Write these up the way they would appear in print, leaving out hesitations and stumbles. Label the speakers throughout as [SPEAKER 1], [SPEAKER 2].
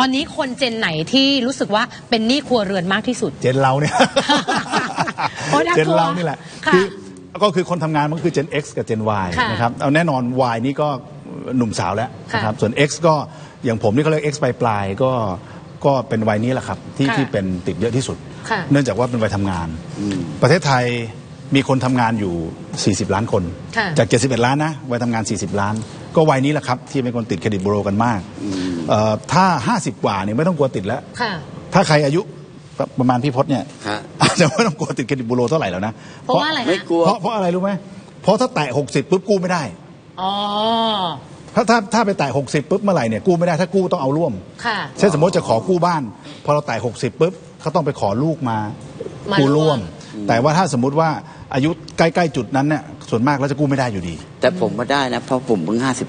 [SPEAKER 1] อนนี้คนเจนไหนที่รู้สึกว่าเป็นหนี้ครัวเรือนมากที่สุด
[SPEAKER 2] เจนเราเนี่ย เจนเรานี่แหละก็คือคนทำงานมันคือ Gen X กับ Gen Y นะครับเอาแน่นอน Y นี่ก็หนุ่มสาวแล้วนะครับส่วน X ก็อย่างผมนี่เขาเรียก X ปลายก็เป็นวัยนี้แหละครับที่เป็นติดเยอะที่สุดเนื่องจากว่าเป็นวัยทำงานประเทศไทยมีคนทำงานอยู่40ล้านคนจาก71ล้านนะวัยทำงาน40ล้านก็วัยนี้แหละครับที่เป็นคนติดเครดิตบูโรกันมากถ้า50กว่าเนี่ยไม่ต้องกลัวติดแล้วถ้าใครอายุประมาณพี่พจน์เนี่ยอาจจะไม่ต้องกลัวติดเครดิตบูโรเท่าไหร่แล้วนะ
[SPEAKER 1] เพราะว่าอะไรไม่
[SPEAKER 2] กลัวเพราะอะไรรู้ไหมเพราะถ้าแตะ60ปุ๊บกู้ไม่ได้ถ้าไปแตะ60ปุ๊บเมื่อไหร่เนี่ยกู้ไม่ได้ถ้ากู้ต้องเอาร่วมเช่นสมมติจะขอกู้บ้านพอเราแตะ60ปุ๊บเขาต้องไปขอลูกมากู้ร่วมแต่ว่าถ้าสมมุติว่าอายุใกล้ๆจุดนั้นเนี่ยส่วนมากแล้วจะกู้ไม่ได้อยู่ดี
[SPEAKER 3] แต่ผมมาได้นะเพราะผมเพิ่ง58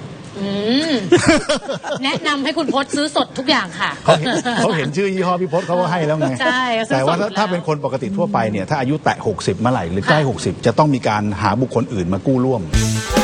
[SPEAKER 1] แนะนำให้คุณพจน์ซื้อสดทุกอย่างค่ะ
[SPEAKER 2] เขาเห็นชื่อยี่ห้อพี่พจน์เขาก็ให้แล้วไงแต่ว่าถ้าเป็นคนปกติทั่วไปเนี่ยถ้าอายุแตะ60เมื่อไหร่หรือใกล้60จะต้องมีการหาบุคคลอื่นมากู้ร่วม